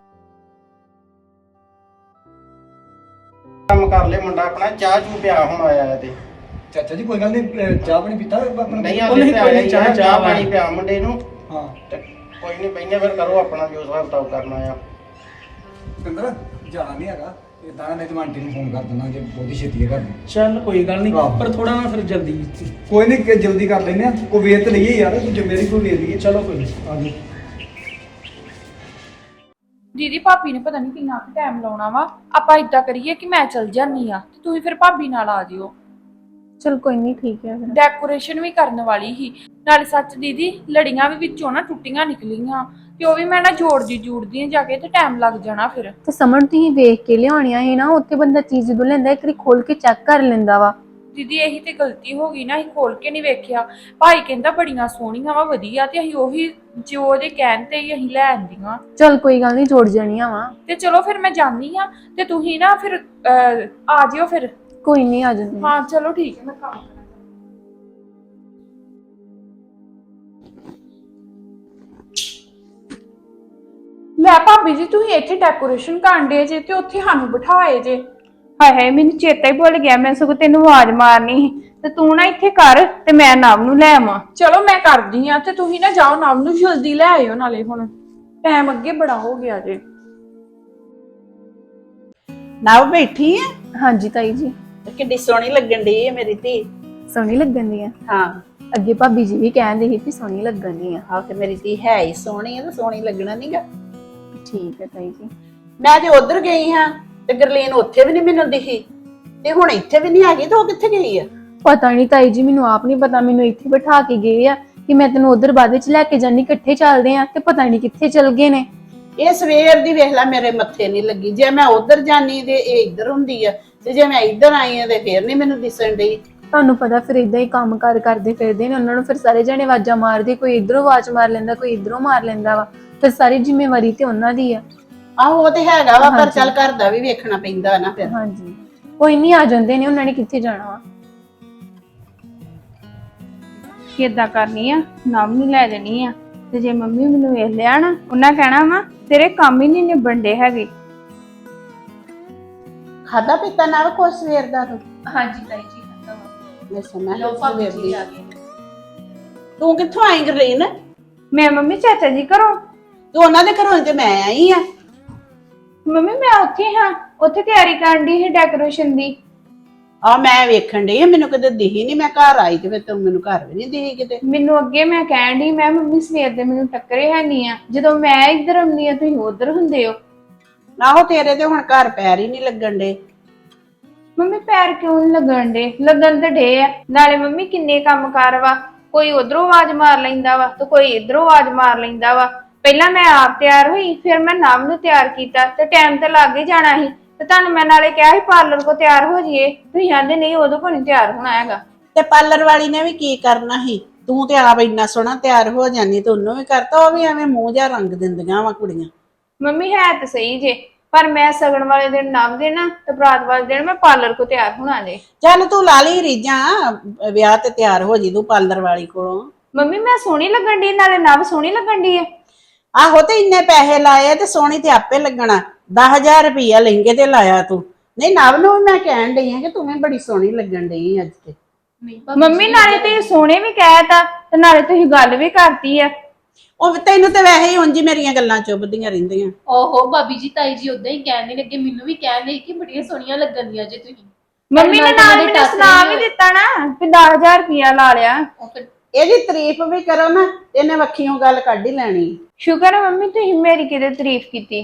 Speaker 6: ਕੰਮ ਕਰ ਲੈ ਮੁੰਡਾ ਆਪਣਾ, ਚਾਹ ਚੂ ਪਿਆ ਹੁਣ ਆਇਆ ਤੇ।
Speaker 3: ਚਾਚਾ ਜੀ ਕੋਈ ਗੱਲ ਨਹੀਂ, ਚਾਹ ਪਾਣੀ ਪੀਤਾ ਆਪਣਾ?
Speaker 6: ਨਹੀਂ
Speaker 4: ਉਹ ਨਹੀਂ,
Speaker 6: ਆਲੇ
Speaker 4: ਕੋਈ ਨਹੀਂ, ਚਾਹ-
Speaker 6: ਚਾਹ ਪਾਣੀ ਪਿਆ ਮੁੰਡੇ ਨੂੰ।
Speaker 3: ਹਾਂ
Speaker 6: ਤੇ ਕੋਈ ਨਹੀਂ ਬਈਨੇ ਫਿਰ ਕਰੋ ਆਪਣਾ ਜੋ ਹਿਸਾਬ ਕਿਤਾਬ ਕਰਨਾ ਆ।
Speaker 3: ਪਿੰਦਰ ਜਾਣਾ ਨਹੀਂ ਹੈਗਾ, ਇਦਾਂ ਨਹੀਂ ਤੇ ਆਂਟੀ ਨੂੰ ਫੋਨ ਕਰ ਦੇਣਾ ਜੇ ਬਹੁਤੀ ਛੇਤੀ ਹੈ ਕਰਨੀ।
Speaker 4: ਚੱਲ ਕੋਈ ਗੱਲ ਨਹੀਂ,
Speaker 3: ਆਹੋ।
Speaker 4: ਪਰ ਥੋੜਾ ਨਾ ਫਿਰ ਜਲਦੀ।
Speaker 3: ਕੋਈ ਨਹੀਂ ਕਿ ਜਲਦੀ ਕਰ ਲੈਨੇ ਆ, ਕੋਈ ਵੇਤ ਤੇ ਲਈਏ ਯਾਰ, ਤੂੰ ਜ਼ਿੰਮੇਵਾਰੀ ਕੋਈ ਲੈ ਲਈਏ।
Speaker 4: ਚਲੋ ਕੋਈ ਨਹੀਂ, ਆ ਜਾਓ।
Speaker 5: ਦੀਦੀ ਭਾਬੀ ਨੇ ਪਤਾ ਨਹੀਂ ਕਿੰਨਾ ਕੁ ਟਾਈਮ ਲਾਉਣਾ ਵਾ। ਆਪਾਂ ਇਦਾਂ ਕਰੀਏ ਕਿ ਮੈਂ ਚਲ ਜਾਨੀ ਆ ਤੇ ਤੁਸੀਂ ਫਿਰ ਭਾਬੀ ਨਾਲ ਆ ਜਿਓ।
Speaker 2: ਚਲ ਕੋਈ ਨਹੀਂ, ਠੀਕ ਹੈ ਫਿਰ।
Speaker 5: ਡੈਕੋਰੇਸ਼ਨ ਵੀ ਕਰਨ ਵਾਲੀ ਸੀ ਨਾਲੇ। ਸੱਚ ਦੀਦੀ ਲੜੀਆਂ ਵੀ ਵਿੱਚੋਂ ਨਾ ਟੁੱਟੀਆਂ ਨਿਕਲੀਆਂ, ਤੇ ਉਹ ਵੀ ਮੈਂ ਨਾ ਜੋੜਦੀ ਜੂੜਦੀ ਆ ਜਾ ਕੇ, ਤੇ ਟਾਈਮ ਲੱਗ ਜਾਣਾ ਫਿਰ।
Speaker 1: ਤੇ ਸਮਝ ਤੁਸੀਂ ਵੇਖ ਕੇ ਲਿਆਉਣੀਆਂ ਸੀ ਨਾ। ਉੱਥੇ ਬੰਦਾ ਚੀਜ਼ ਜਦੋਂ ਲੈਂਦਾ ਇੱਕ ਵਾਰੀ ਖੋਲ ਕੇ ਚੈੱਕ ਕਰ ਲੈਂਦਾ ਵਾ।
Speaker 5: ਦੀਦੀ ਇਹੀ ਤੇ ਗਲਤੀ ਹੋ ਗਈ ਨਾ, ਅਸੀਂ ਖੋਲ ਕੇ ਨਹੀਂ ਵੇਖਿਆ। ਭਾਈ ਕਹਿੰਦਾ ਬੜੀਆਂ ਸੋਹਣੀਆਂ ਵਾ, ਵਧੀਆ, ਤੇ ਅਸੀਂ ਉਹੀ ਜੋ ਉਹਦੇ ਕਹਿਣ ਤੇ ਹੀ ਅਸੀਂ ਲੈ ਆਂਦੀਆਂ।
Speaker 1: ਚਲ ਕੋਈ ਗੱਲ ਨਹੀਂ, ਜੋੜ ਜਾਣੀਆਂ ਵਾ।
Speaker 5: ਤੇ ਚਲੋ ਫਿਰ ਮੈਂ ਜਾਂਦੀ ਆ, ਤੇ ਤੁਸੀਂ ਨਾ ਫਿਰ ਅਹ, ਆ ਜਿਓ ਫਿਰ।
Speaker 1: ਕੋਈ ਨਹੀਂ, ਆ ਜਾਂਦੇ।
Speaker 5: ਹਾਂ ਚਲੋ ਠੀਕ ਹੈ, ਮੈਂ ਕੰਮ ਕਰਾਂ। ਲੈ ਭਾਬੀ ਜੀ ਤੁਸੀਂ ਇੱਥੇ ਡੈਕੋਰੇਸ਼ਨ ਕਰਨ ਦੇ ਜੇ ਤੇ ਉੱਥੇ ਸਾਨੂੰ ਬਿਠਾਏ ਜੇ।
Speaker 2: ਹਾਏ ਹਾਏ, ਮੈਨੂੰ ਚੇਤਾ ਹੀ ਭੁੱਲ ਗਿਆ, ਮੈਂ ਸਗੋਂ ਤੈਨੂੰ ਆਵਾਜ਼ ਮਾਰਨੀ ਸੀ। ਤੇ ਤੂੰ ਨਾ ਇੱਥੇ ਕਰ ਤੇ ਮੈਂ ਨਵ ਨੂੰ ਲੈ ਆਵਾਂ।
Speaker 5: ਚਲੋ ਮੈਂ ਕਰਦੀ ਆ, ਤੇ ਤੁਸੀਂ ਨਾ ਜਾਓ ਨਵ ਨੂੰ ਜਲਦੀ ਲੈ ਆਇਓ, ਨਾਲੇ ਹੁਣ ਟਾਈਮ ਅੱਗੇ ਬੜਾ ਹੋ ਗਿਆ ਜੇ।
Speaker 7: ਨਾ ਬੈਠੀ ਆ
Speaker 1: ਹਾਂਜੀ ਤਾਈ ਜੀ।
Speaker 7: ਕਿੰਨੀ ਸੋਹਣੀ ਲੱਗਣ ਦੀ ਹੈ ਮੇਰੀ ਧੀ।
Speaker 1: ਸੋਹਣੀ ਲੱਗਣ ਦੀ ਆ।
Speaker 7: ਹਾਂ
Speaker 1: ਅੱਗੇ ਭਾਬੀ ਜੀ ਵੀ ਕਹਿੰਦੇ ਸੀ ਕਿ ਸੋਹਣੀ ਲੱਗਣ ਦੀ ਆ।
Speaker 7: ਆਹ ਤੇ ਮੇਰੀ ਧੀ ਹੈ ਹੀ ਸੋਹਣੀ ਹੈ ਤੇ ਸੋਹਣੀ ਲੱਗਣਾ ਨਹੀਂਗਾ।
Speaker 1: ਠੀਕ ਹੈ ਤਾਈ ਜੀ।
Speaker 7: ਮੈਂ ਜੇ ਉਧਰ ਗਈ ਹਾਂ ਤੇ ਗਰਲੀਨ ਉੱਥੇ ਵੀ ਨਹੀਂ ਮੈਨੂੰ ਦਿਖੀ ਤੇ ਹੁਣ ਇੱਥੇ ਵੀ ਨਹੀਂ ਆ ਗਈ ਤੇ ਉਹ ਕਿੱਥੇ ਗਈ ਆ?
Speaker 1: ਪਤਾ ਨਹੀਂ ਤਾਈ ਜੀ, ਮੈਨੂੰ ਆਪ ਨਹੀਂ ਪਤਾ। ਮੈਨੂੰ ਇੱਥੇ ਬਿਠਾ ਕੇ ਗਏ ਆ ਕਿ ਮੈਂ ਤੈਨੂੰ ਉਧਰ ਬਾਅਦ ਵਿੱਚ ਲੈ ਕੇ ਜਾਨੀ, ਇਕੱਠੇ ਚੱਲਦੇ ਆ, ਤੇ ਪਤਾ ਨਹੀਂ ਕਿੱਥੇ ਚਲ ਗਏ ਨੇ।
Speaker 7: ਇਹ ਸਵੇਰ ਦੀ ਵੇਖ ਲੈ ਮੇਰੇ ਮੱਥੇ ਨਹੀਂ ਲੱਗੀ। ਜੇ ਮੈਂ ਉਧਰ ਜਾਨੀ ਤੇ ਇਹ ਇੱਧਰ ਹੁੰਦੀ ਆ, ਤੇ ਜੇ ਮੈਂ ਇੱਧਰ ਆਈ ਆ ਤੇ ਫੇਰ ਨਹੀਂ ਮੈਨੂੰ ਦਿਸਣ ਡਈ।
Speaker 1: ਤੁਹਾਨੂੰ ਪਤਾ ਫਿਰ ਇਦਾਂ ਹੀ ਕੰਮ ਕਾਰ ਕਰਦੇ ਫਿਰਦੇ ਨੇ, ਉਹਨਾਂ ਨੂੰ ਫਿਰ ਸਾਰੇ ਜਣੇ ਆਵਾਜ਼ਾਂ ਮਾਰਦੇ, ਕੋਈ ਇਧਰੋਂ ਆਵਾਜ਼ ਮਾਰ ਲੈਂਦਾ, ਕੋਈ ਇਧਰੋਂ ਮਾਰ ਲੈਂਦਾ ਵਾ। ਫਿਰ ਸਾਰੀ ਜ਼ਿੰਮੇਵਾਰੀ ਤੇ ਉਹਨਾਂ ਦੀ ਆ।
Speaker 7: ਆਹੋ ਉਹ ਤੇ ਹੈਗਾ ਵਾ, ਪਰ ਚੱਲ ਘਰ ਦਾ ਵੀ ਵੇਖਣਾ ਪੈਂਦਾ ਨਾ ਫਿਰ।
Speaker 1: ਹਾਂਜੀ, ਕੋਈ ਨਹੀਂ, ਆ ਜਾਂਦੇ ਨੇ, ਉਹਨਾਂ ਨੇ ਕਿੱਥੇ ਜਾਣਾ ਵਾ।
Speaker 2: ਕਿੱਦਾਂ ਕਰਨੀ ਆ, ਨਵ ਨੂੰ ਲੈ ਜਾਣੀ ਆ, ਤੇ ਜੇ ਮੰਮੀ ਮੈਨੂੰ ਵੇਖ ਲਿਆ ਨਾ, ਉਹਨਾਂ ਕਹਿਣਾ ਵਾ ਤੇਰੇ ਕੰਮ ਹੀ ਨਹੀਂ ਨਿਬਣ ਡੇ ਹੈਗੇ।
Speaker 7: ਖਾਦਾ ਪੀਤਾ ਨਾਲ ਕੁਛ ਸਵੇਰ ਦਾ ਤੂੰ?
Speaker 5: ਹਾਂਜੀ ਤਾਈ ਜੀ ਖਾਦਾ ਵਾ।
Speaker 7: ਮੈਂ ਸੁਣਿਆ
Speaker 5: ਲਓ ਭਾਬੀ ਜੀ ਆ ਗਏ।
Speaker 7: ਤੂੰ ਕਿੱਥੋਂ ਆਈ ਗਰਲੀਨ?
Speaker 2: ਮੈਂ ਮੰਮੀ ਚਾਚਾ ਜੀ ਘਰੋਂ।
Speaker 7: ਤੂੰ ਉਹਨਾਂ ਦੇ ਘਰੋਂ ਤੇ ਮੈਂ ਆਈ ਆ।
Speaker 2: ਮੰਮੀ ਮੈਂ ਉੱਥੇ ਹਾਂ, ਉੱਥੇ ਤਿਆਰੀ ਕਰਨ ਦੀ ਹੈ ਡੈਕੋਰੇਸ਼ਨ ਦੀ।
Speaker 7: ਆ ਮੈਂ ਵੇਖਣ ਡਈ ਆ, ਮੈਨੂੰ ਕਦੇ ਦਿਖੀ ਨਹੀਂ। ਮੈਂ ਘਰ ਆਈ ਤੇ ਫਿਰ ਤੂੰ ਮੈਨੂੰ ਘਰ ਵੀ ਨਹੀਂ ਦਿਖੀ ਕਿਤੇ।
Speaker 2: ਮੈਨੂੰ ਅੱਗੇ ਮੈਂ ਕਹਿਣ ਦੀ, ਮੈਂ ਮੰਮੀ ਸਵੇਰ ਦੇ ਮੈਨੂੰ ਟੱਕਰੇ ਹੈ ਨਹੀਂ ਆ, ਜਦੋਂ ਮੈਂ ਇੱਧਰ ਆਉਂਦੀ ਆ ਤੁਸੀਂ ਉੱਧਰ ਹੁੰਦੇ ਹੋ।
Speaker 7: ਆਹੋ ਤੇਰੇ ਤੇ ਹੁਣ ਘਰ ਪੈਰ ਹੀ ਨਹੀਂ ਲੱਗਣ ਡੇ।
Speaker 2: ਮੰਮੀ ਪੈਰ ਕਿਉਂ ਨੀ ਲੱਗਣ ਡੇ? ਲੱਗਣ ਤੇ ਡੇ ਆ। ਨਾਲੇ ਮੰਮੀ ਕਿੰਨੇ ਕੰਮ ਕਾਰ ਵਾ, ਕੋਈ ਉਧਰੋਂ ਆਵਾਜ਼ ਮਾਰ ਲੈਂਦਾ ਵਾ ਤੇ ਕੋਈ ਇਧਰੋਂ ਆਵਾਜ਼ ਮਾਰ ਲੈਂਦਾ ਵਾ। ਪਹਿਲਾਂ ਮੈਂ ਆਪ ਤਿਆਰ ਹੋਈ, ਫਿਰ ਮੈਂ ਨਵ ਨੂੰ ਤਿਆਰ ਕੀਤਾ, ਤੇ ਟਾਈਮ ਤੇ ਲੱਗ ਹੀ ਜਾਣਾ ਸੀ। ਤੇ ਤੁਹਾਨੂੰ ਮੈਂ ਨਾਲੇ ਕਿਹਾ ਸੀ ਪਾਰਲਰ ਕੋ ਤਿਆਰ ਹੋ ਜਾਈਏ, ਤੁਸੀਂ ਕਹਿੰਦੇ ਨਹੀਂ ਉਦੋਂ ਕੋ ਨਹੀਂ ਤਿਆਰ ਹੋਣਾ ਹੈਗਾ।
Speaker 7: ਤੇ ਪਾਰਲਰ ਵਾਲੀ ਨੇ ਵੀ ਕੀ ਕਰਨਾ ਸੀ? ਤੂੰ ਤੇ ਆਪ ਇੰਨਾ ਸੋਹਣਾ ਤਿਆਰ ਹੋ ਜਾਨੀ ਤੇ ਉਹਨੂੰ ਵੀ ਕਰਤਾ। ਉਹ ਵੀ ਐਵੇਂ ਮੂੰਹ ਜਿਹਾ ਰੰਗ ਦਿੰਦੀਆਂ ਵਾ ਕੁੜੀਆਂ।
Speaker 2: ਮੰਮੀ ਹੈ ਤਾਂ ਸਹੀ ਜੇ, ਪਰ ਮੈਂ ਸਗਣ ਵਾਲੇ ਦਿਨ ਨਵ ਦੇ ਨਾ ਤੇ ਬਰਾਤ ਵਾਲੇ ਦਿਨ ਮੈਂ ਪਾਰਲਰ ਕੋ ਤਿਆਰ ਹੋਣਾ ਜੇ।
Speaker 7: ਚੱਲ ਤੂੰ ਲਾ ਲਈ ਰੀਝਾਂ, ਵਿਆਹ ਤੇ ਤਿਆਰ ਹੋ ਜੀ ਤੂੰ ਪਾਰਲਰ ਵਾਲੀ ਕੋਲੋਂ।
Speaker 2: ਮੰਮੀ ਮੈਂ ਸੋਹਣੀ ਲੱਗਣ ਦੀ, ਨਾਲੇ ਨਵ ਸੋਹਣੀ ਲੱਗਣ ਦੀ ਹੈ।
Speaker 7: ਆਹੋ ਤੇ ਇੰਨੇ ਪੈਸੇ ਲਾਏ ਤੇ ਸੋਹਣੀ ਤੇ ਆਪੇ ਲੱਗਣਾ। ਦਸ ਹਜ਼ਾਰ ਰੁਪਈਆ ਲਹਿੰਗੇ ਤੇ ਲਾਇਆ ਤੂੰ। ਨਹੀਂ ਨਵ ਨੂੰ ਵੀ ਮੈਂ ਕਹਿਣ ਡਈ ਆ ਕਿ ਤੂੰ ਵੀ ਬੜੀ ਸੋਹਣੀ ਲੱਗਣ ਡਈ ਅੱਜ ਤੇ।
Speaker 5: ਨਹੀਂ ਭਾਬੀ
Speaker 2: ਮੰਮੀ ਨਾਲੇ ਤੁਸੀਂ ਸੋਹਣੇ ਵੀ ਕਹਿਤਾ ਤੇ ਨਾਲੇ ਤੁਸੀਂ ਗੱਲ ਵੀ ਕਰਤੀ ਆ।
Speaker 7: ਉਹ ਤੈਨੂੰ ਤੇ ਵੈਸੇ ਹੀ ਉਂਝ ਮੇਰੀਆਂ ਗੱਲਾਂ ਚੁੱਭਦੀਆਂ ਰਹਿੰਦੀਆਂ।
Speaker 5: ਓਹੋ ਭਾਬੀ ਜੀ, ਤਾਈ ਜੀ ਉਦਾਂ ਹੀ ਕਹਿਣ ਨਹੀਂ ਲੱਗੇ, ਮੈਨੂੰ ਵੀ ਕਹਿਣ ਲਈ ਕਿ ਬੜੀਆਂ ਸੋਹਣੀਆਂ ਲੱਗਣਦੀਆਂ ਜੇ ਤੁਸੀਂ।
Speaker 2: ਮੰਮੀ ਨੇ ਨਾਲ ਮੈਨੂੰ ਸੁਣਾ ਵੀ ਦਿੱਤਾ ਨਾ ਕਿ ਦਸ ਹਜ਼ਾਰ ਰੁਪਇਆ ਲਾ ਲਿਆ।
Speaker 5: ਉਹ ਫਿਰ
Speaker 7: ਇਹਦੀ ਤਾਰੀਫ ਵੀ ਕਰੋ ਨਾ ਤੇ ਇਹਨੇ ਵੱਖੀਓਂ ਗੱਲ ਕੱਢ ਹੀ ਲੈਣੀ।
Speaker 2: ਸ਼ੁਕਰ ਹੈ ਮੰਮੀ ਤੁਸੀਂ ਮੇਰੀ ਕਿਤੇ ਤਾਰੀਫ ਕੀਤੀ।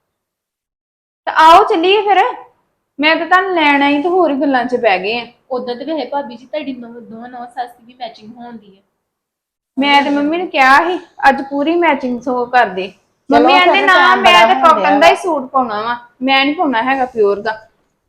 Speaker 2: ਤਾਂ ਆਓ ਚੱਲੀਏ ਫਿਰ। ਮੈਂ ਤਾਂ ਤੁਹਾਨੂੰ ਲੈਣ ਆਈ ਤੇ ਹੋਰ ਹੀ ਗੱਲਾਂ 'ਚ ਬਹਿ ਗਏ ਆ।
Speaker 5: ਉਦਾਂ ਤੇ ਵੈਸੇ ਭਾਬੀ ਜੀ ਤੁਹਾਡੀ ਨੌ- ਦੋਵਾਂ ਨੌ ਸੱਸ ਦੀ ਵੀ ਮੈਚਿੰਗ ਹੋਣਦੀ ਹੈ।
Speaker 2: ਮੈਂ ਤੇ ਮੰਮੀ ਨੂੰ ਕਿਹਾ ਸੀ ਅੱਜ ਪੂਰੀ ਮੈਚਿੰਗ ਸੋ ਕਰ ਦੇ। ਮੰਮੀ
Speaker 7: ਫਿਰ
Speaker 2: ਕਹਿੰਦੇ ਨਾ
Speaker 7: time
Speaker 2: ਮੈਂ
Speaker 7: ਬੜਾ
Speaker 2: ਤਾਂ
Speaker 7: ਹੋਣ
Speaker 2: ਕਾਟਨ ਦਾ
Speaker 7: ਡਿਆ
Speaker 2: ਹੀ ਸੂਟ ਪਾਉਣਾ ਵਾ, ਮੈਂ ਨਹੀਂ ਪਾਉਣਾ ਹੈਗਾ ਪਿਓਰ ਦਾ।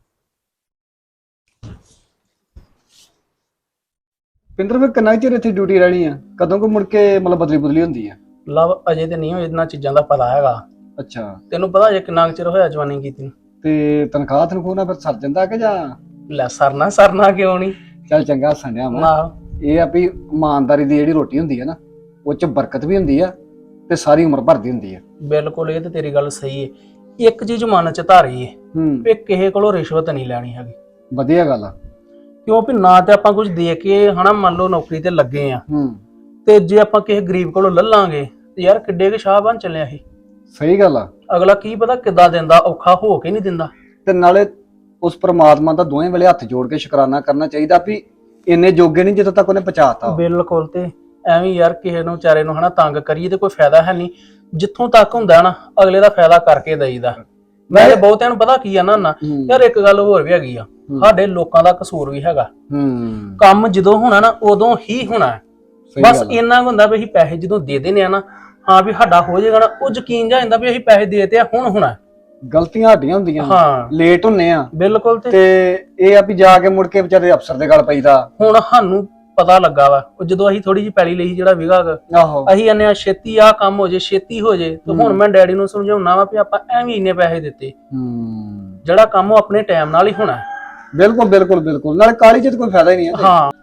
Speaker 3: ਪਿੰਦਰ ਵੀ ਕਿੰਨਾ ਚਿਰ ਇੱਥੇ ਡਿਊਟੀ ਰਹਿਣੀ ਆ? ਕਦੋਂ ਕੋ ਮੁੜ ਕੇ ਮਤਲਬ ਬਦਲੀ ਬਦਲੀ ਹੁੰਦੀ ਆ?
Speaker 4: ਲਵ ਅਜੇ ਤੇ ਨਹੀਂ ਇਹਨਾਂ ਚੀਜ਼ਾਂ ਦਾ ਪਤਾ ਹੈਗਾ।
Speaker 3: ਅੱਛਾ,
Speaker 4: ਤੈਨੂੰ ਪਤਾ ਜੇ ਕਿੰਨਾ ਕੁ ਚਿਰ ਹੋਇਆ ਜਵਾਨੀ ਕੀਤੀ ਨੂੰ?
Speaker 3: ਤੇ ਤਨਖਾਹ ਤਨਖੂਹ ਨਾਲ ਫਿਰ ਸਰ ਜਾਂਦਾ ਕਿ ਜਾਂ?
Speaker 4: ਲੈ ਸਰਨਾ ਸਰਨਾ ਕਿਉਂ ਨਹੀਂ।
Speaker 3: ਚੱਲ ਚੰਗਾ ਸੰਡਿਆ ਵਾ।
Speaker 4: ਨਾ
Speaker 3: ਇਹ ਆ ਵੀ ਇਮਾਨਦਾਰੀ ਦੀ ਜਿਹੜੀ ਰੋਟੀ ਹੁੰਦੀ ਆ ਨਾ, ਉਹ ਚ ਬਰਕਤ ਵੀ ਹੁੰਦੀ ਆ ਤੇ ਸਾਰੀ ਉਮਰ ਭਰਦੀ ਹੁੰਦੀ ਆ।
Speaker 4: ਬਿਲਕੁਲ, ਇਹ ਤੇ ਤੇਰੀ ਗੱਲ ਸਹੀ ਹੈ। ਇੱਕ ਚੀਜ਼ ਮਨ ਚ ਧਾਰੀ ਏ
Speaker 3: ਹੂੰ,
Speaker 4: ਵੀ ਕਿਸੇ ਕੋਲੋਂ ਰਿਸ਼ਵਤ ਨਹੀਂ ਲੈਣੀ ਹੈਗੀ।
Speaker 3: ਵਧੀਆ ਗੱਲ ਆ।
Speaker 4: ਕਿਉਂ ਵੀ ਨਾ ਤੇ ਆਪਾਂ ਕੁਝ ਦੇ ਕੇ ਹਨਾ, ਮੰਨ ਲਓ ਨੌਕਰੀ ਤੇ ਲੱਗੇ ਆ,
Speaker 3: ਹੂੰ,
Speaker 4: ਤੇ ਜੇ ਆਪਾਂ ਕਿਸੇ ਗਰੀਬ ਕੋਲੋਂ ਲੱਲਾਂਗੇ ਤੇ ਯਾਰ ਕਿੱਡੇ ਕੇ ਸ਼ਾਹ ਬਣ ਚੱਲਿਆ ਇਹ।
Speaker 3: ਸਹੀ ਗੱਲ ਆ।
Speaker 4: ਅਗਲਾ ਕੀ ਪਤਾ ਕਿੱਦਾਂ ਦਿੰਦਾ, ਔਖਾ ਹੋ ਕੇ ਨਹੀਂ ਦਿੰਦਾ।
Speaker 3: ਤੇ ਨਾਲੇ ਉਸ ਪ੍ਰਮਾਤਮਾ ਦਾ ਦੋਵੇਂ ਵੇਲੇ ਹੱਥ ਜੋੜ ਕੇ ਸ਼ੁਕਰਾਨਾ ਕਰਨਾ ਚਾਹੀਦਾ ਵੀ ਇੰਨੇ ਜੋਗੇ ਨਹੀਂ ਜਦੋਂ ਤੱਕ ਉਹਨੇ ਪਹੁੰਚਾਤਾ।
Speaker 4: ਬਿਲਕੁਲ, ਤੇ ਐਵੇਂ ਯਾਰ ਕਿਸੇ ਨੂੰ ਵਿਚਾਰੇ ਨੂੰ ਹਨਾ ਤੰਗ ਕਰੀਏ ਤੇ ਕੋਈ ਫਾਇਦਾ ਹੈ ਨਹੀਂ। ਜਿੱਥੋਂ ਤੱਕ ਹੁੰਦਾ ਨਾ ਅਗਲੇ ਦਾ ਫਾਇਦਾ ਕਰਕੇ ਦੇਈਦਾ। ਮੈਂ ਤੇ ਬਹੁਤਿਆਂ ਨੂੰ ਪਤਾ ਕੀ ਆ ਨਾ ਨਾ
Speaker 3: ਹੂੰ,
Speaker 4: ਯਾਰ ਇੱਕ ਗੱਲ ਹੋਰ ਵੀ ਹੈਗੀ ਆ, ਸਾਡੇ ਲੋਕਾਂ ਦਾ ਕਸੂਰ ਵੀ ਹੈਗਾ।
Speaker 3: ਹੂੰ,
Speaker 4: ਕੰਮ ਜਦੋਂ ਹੋਣਾ ਨਾ ਉਦੋਂ ਹੀ ਹੋਣਾ ਹੈ।
Speaker 3: ਸਹੀ
Speaker 4: ਬਸ
Speaker 3: ਗੱਲ ਆ।
Speaker 4: ਇੰਨਾ ਕੁ ਹੁੰਦਾ ਵੀ ਅਸੀਂ ਪੈਸੇ ਜਦੋਂ ਦੇ ਦੇਣੇ ਆ ਨਾ, ਹਾਂ ਵੀ ਸਾਡਾ ਹੋ ਜਾਏਗਾ ਨਾ, ਉਹ ਯਕੀਨ ਜਾ ਜਾਂਦਾ ਵੀ ਅਸੀਂ ਪੈਸੇ ਦੇ ਤੇ ਆ, ਹੁਣ ਹੋਣਾ।
Speaker 3: ਗਲਤੀਆਂ ਸਾਡੀਆਂ ਹੁੰਦੀਆਂ,
Speaker 4: ਹਾਂ
Speaker 3: ਲੇਟ ਹੁੰਨੇ ਆ
Speaker 4: ਬਿਲਕੁਲ। ਤੇ
Speaker 3: ਤੇ ਇਹ ਆ ਵੀ ਜਾ ਕੇ ਮੁੜ ਕੇ ਵਿਚਾਰੇ ਅਫਸਰ ਦੇ ਗੱਲ ਪਈਦਾ।
Speaker 4: ਹੁਣ ਸਾਨੂੰ ਪਤਾ ਲੱਗਾ ਵਾ, ਉਹ ਜਦੋਂ ਅਸੀਂ ਥੋੜੀ ਜਿਹੀ ਪੈਲੀ ਲਈ ਜਿਹੜਾ ਵਿਗਾ
Speaker 3: ਆਹੋ,
Speaker 4: ਅਸੀਂ ਆਨੇ ਆ ਛੇਤੀ ਆ ਕੰਮ ਹੋ ਜੇ, ਛੇਤੀ ਹੋ ਜੇ। ਤੇ ਹੁਣ ਮੈਂ ਡੈਡੀ ਨੂੰ ਸਮਝਾਉਣਾ ਵਾ ਵੀ ਆਪਾਂ ਐਵੇਂ ਇੰਨੇ ਪੈਸੇ ਦਿੱਤੇ,
Speaker 3: ਹੂੰ,
Speaker 4: ਜਿਹੜਾ ਕੰਮ ਉਹ ਆਪਣੇ ਟਾਈਮ ਨਾਲ ਹੀ ਹੋਣਾ।
Speaker 3: ਬਿਲਕੁਲ ਬਿਲਕੁਲ ਬਿਲਕੁਲ, ਨਾਲੇ ਕਾਲੀ ਚ ਤਾਂ ਕੋਈ ਫਾਇਦਾ ਹੀ ਨਹੀਂ ਹੈ।
Speaker 4: ਹਾਂ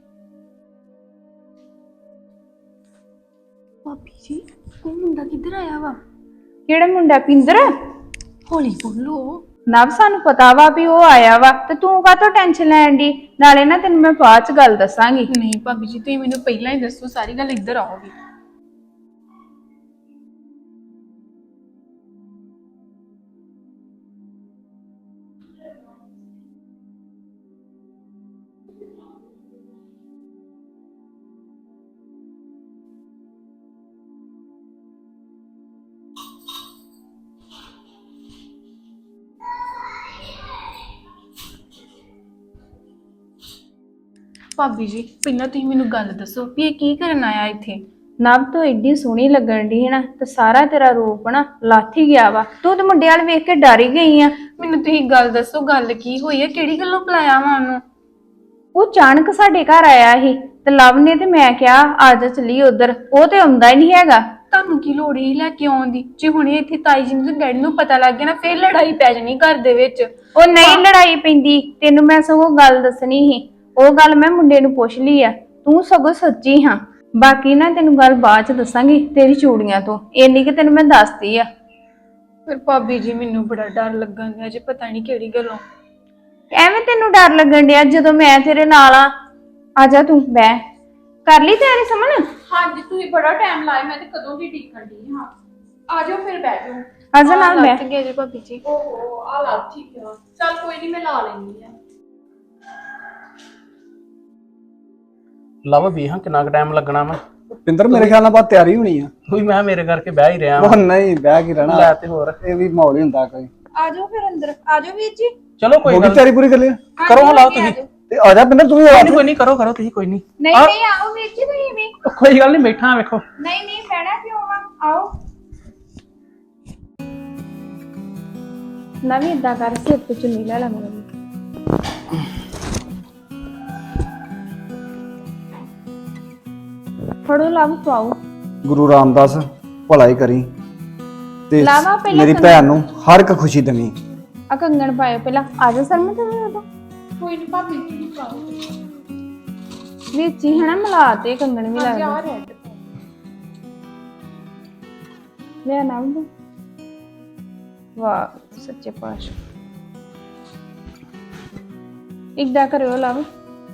Speaker 1: ਭਾਬੀ ਜੀ, ਉਹ ਮੁੰਡਾ ਕਿੱਧਰ ਆਇਆ ਵਾ?
Speaker 2: ਕਿਹੜਾ ਮੁੰਡਾ? ਪਿੰਦਰ?
Speaker 1: ਹੌਲੀ ਬੋਲੋ।
Speaker 2: ਨਵ ਸਾਨੂੰ ਪਤਾ ਵਾ ਵੀ ਉਹ ਆਇਆ ਵਾ, ਤੇ ਤੂੰ ਕਾਹਤੋਂ ਟੈਨਸ਼ਨ ਲੈਣ ਦੀ? ਨਾਲੇ ਨਾ ਤੈਨੂੰ ਮੈਂ ਬਾਅਦ ਚ ਗੱਲ ਦੱਸਾਂਗੀ।
Speaker 1: ਨਹੀਂ ਭਾਬੀ ਜੀ, ਤੁਸੀਂ ਮੈਨੂੰ ਪਹਿਲਾਂ ਹੀ ਦੱਸੋ, ਸਾਰੀ ਗੱਲ ਇੱਧਰ ਆਓਗੀ। ਭਾਬੀ ਜੀ ਪਹਿਲਾਂ ਤੁਸੀਂ ਮੈਨੂੰ ਗੱਲ ਦੱਸੋ ਵੀ ਇਹ ਕੀ ਕਰਨ ਆਇਆ ਇੱਥੇ।
Speaker 2: ਨਵ ਤੂੰ ਏਡੀ ਸੋਹਣੀ ਲੱਗਣ ਦੀ ਹੈ ਨਾ ਤੇ ਸਾਰਾ ਤੇਰਾ ਰੂਪ ਨਾ ਲੱਥ ਹੀ ਗਿਆ ਵਾ। ਤੂੰ ਤੇ ਮੁੰਡੇ ਵਾਲ ਵੇਖ ਕੇ ਡਰ ਹੀ ਗਈ ਆ।
Speaker 1: ਮੈਨੂੰ ਤੁਸੀਂ ਗੱਲ ਦੱਸੋ ਗੱਲ ਕੀ ਹੋਈ ਹੈ, ਕਿਹੜੀ ਗੱਲੋਂ ਬੁਲਾਇਆ ਵਾ ਉਹਨੂੰ।
Speaker 2: ਉਹ ਅਚਾਨਕ ਸਾਡੇ ਘਰ ਆਇਆ ਸੀ ਤੇ ਲਵ ਨੇ ਤੇ ਮੈਂ ਕਿਹਾ ਆ ਜਾ ਚੱਲੀ ਉਧਰ, ਉਹ ਤੇ ਆਉਂਦਾ ਹੀ ਨਹੀਂ ਹੈਗਾ।
Speaker 1: ਤੁਹਾਨੂੰ ਕੀ ਲੋੜ ਹੀ ਲੈ ਕੇ ਆਉਣ ਦੀ? ਜੇ ਹੁਣੇ ਇੱਥੇ ਤਾਈ ਜੀ ਨੂੰ ਤੇ ਡੈਡੀ ਨੂੰ ਪਤਾ ਲੱਗ ਗਿਆ ਨਾ ਫੇਰ ਲੜਾਈ ਪੈ ਜਾਣੀ ਘਰ ਦੇ ਵਿੱਚ।
Speaker 2: ਉਹ ਨਹੀਂ ਲੜਾਈ ਪੈਂਦੀ, ਤੈਨੂੰ ਮੈਂ ਸਗੋਂ ਗੱਲ ਦੱਸਣੀ ਸੀ। ਉਹ ਗੱਲ ਮੈਂ ਮੁੰਡੇ ਨੂੰ ਪੁੱਛ ਲਈ ਆ, ਤੂੰ ਸਗੋਂ ਸੱਚੀ ਹਾਂ। ਬਾਕੀ ਨਾ ਤੈਨੂੰ ਗੱਲ ਬਾਅਦ ਚ ਦੱਸਾਂਗੀ ਤੇਰੀ ਚੂੜੀਆਂ ਤੋਂ, ਇੰਨੀ ਕਿ ਤੈਨੂੰ ਮੈਂ ਦੱਸਦੀ ਆ।
Speaker 1: ਫਿਰ ਭਾਬੀ ਜੀ ਮੈਨੂੰ ਬੜਾ ਡਰ ਲੱਗਣ ਡਿਆ ਜੇ, ਪਤਾ ਨਹੀਂ ਕਿਹੜੀ ਗੱਲੋਂ।
Speaker 2: ਐਵੇਂ ਤੈਨੂੰ ਡਰ ਲੱਗਣ ਡਿਆ ਜਦੋਂ ਮੈਂ ਤੇਰੇ ਨਾਲ ਆ। ਆ ਜਾ ਤੂੰ ਬਹਿ, ਕਰ ਲਈ ਤਿਆਰੀ ਸਮਣ?
Speaker 5: ਹਾਂਜੀ ਤੁਸੀਂ ਬੜਾ ਟਾਈਮ ਲਾਇਆ, ਮੈਂ ਤੇ ਕਦੋਂ ਦੀ ਡੀਕਣ ਦੀ ਹਾਂ। ਆ ਜਾਓ ਫਿਰ ਬਹਿ ਜਾਓ।
Speaker 2: ਆ ਜਾ ਨਾਲ
Speaker 1: ਲੱਤ
Speaker 2: ਬਹਿ।
Speaker 1: ਗਿਆ ਜੇ ਭਾਬੀ ਜੀ।
Speaker 5: ਓਹੋ ਆ ਲਾ ਠੀਕ ਆ, ਚੱਲ ਕੋਈ ਨਹੀਂ ਮੈਂ ਲਾ ਲੈਣੀ ਆ।
Speaker 4: ਲਵ ਵੇਹਾਂ ਕਿੰਨਾ ਕੁ ਟਾਈਮ ਲੱਗਣਾ ਵਾ।
Speaker 3: ਪਿੰਦਰ ਮੇਰੇ ਖਿਆਲ ਨਾਲ ਬਾਤ ਤਿਆਰੀ ਹੋਣੀ ਆ।
Speaker 4: ਕੋਈ ਮੈਂ ਮੇਰੇ ਕਰਕੇ ਬਹਿ ਹੀ ਰਿਹਾ
Speaker 3: ਉਹ
Speaker 4: ਵਾਂ।
Speaker 3: ਨਹੀਂ ਬਹਿ ਕੇ ਰਹਿਣਾ,
Speaker 4: ਲੈ ਤੇ ਹੋਰ
Speaker 3: ਇਹ ਵੀ ਮਾਹੌਲ ਹੀ ਹੁੰਦਾ ਕੋਈ।
Speaker 2: ਆ ਜਾਓ ਫਿਰ ਅੰਦਰ, ਆ ਜਾਓ ਵੀਰ ਜੀ।
Speaker 4: ਚਲੋ ਕੋਈ
Speaker 3: ਹੋ ਗਈ
Speaker 4: ਗੱਲ
Speaker 3: ਤਿਆਰੀ ਪੂਰੀ ਕਰ ਲਈ?
Speaker 4: ਨੀ। ਕਰੋ ਹਾਂ ਲਾਓ ਤੁਸੀਂ।
Speaker 3: ਤੇ ਆ ਜਾ ਪਿੰਦਰ ਤੂੰ ਵੀ ਆ
Speaker 4: ਕੋਈ ਨਹੀਂ ਕੋਈ ਨਹੀਂ ਕਰੋ ਕਰੋ ਤੁਸੀਂ ਕੋਈ ਨਹੀਂ।
Speaker 2: ਨਹੀਂ ਨਹੀਂ ਆਓ ਵੀਰ ਜੀ ਤੁਸੀਂ ਵੀ।
Speaker 4: ਕੋਈ ਗੱਲ ਨਹੀਂ ਬੈਠਾ ਵੇਖੋ।
Speaker 2: ਨਹੀਂ ਨਹੀਂ ਬਹਿਣਾ ਕਿਉਂ ਆ, ਆਓ। ਨਵੀਂ ਏਦਾਂ ਕਰ, ਸਿਰ ਤੇ ਚੁੰਨੀ ਲੈ ਲਾ ਮੇਰੀ। ਫੜੋ ਲਵ ਪਾਓ।
Speaker 3: ਗੁਰੂ ਰਾਮਦਾਸ ਭਲਾਈ ਕਰੀ ਤੇ
Speaker 2: ਲਾਵਾ ਪਹਿਲਾਂ
Speaker 3: ਮੇਰੀ
Speaker 2: ਕੰਗਣ।
Speaker 3: ਭੈਣ ਨੂੰ ਹਰ ਇੱਕ ਖੁਸ਼ੀ ਦੇਵੀਂ।
Speaker 2: ਆ ਕੰਗਣ ਪਾਇਓ ਪਹਿਲਾਂ, ਆ ਜਾ ਸਰਮ ਤੇ ਉਦੋਂ
Speaker 5: ਕੋਈ ਨਹੀਂ ਭਾਬੀ ਤੁਸੀਂ ਪਾਓ।
Speaker 2: ਵਿੱਚ ਹੀ ਹਨਾ ਮਿਲਾ ਤੇ ਕੰਗਣ ਵੀ
Speaker 5: ਹਾਂਜੀ
Speaker 2: ਲੱਗਦਾ।
Speaker 5: ਆ ਰੈਡ
Speaker 2: ਲੈ ਨਾ ਉਹ। ਵਾਹ ਸੱਚੇ ਪਾਤਸ਼ਾਹ। ਇੱਦਾਂ ਕਰਿਓ ਲਵ।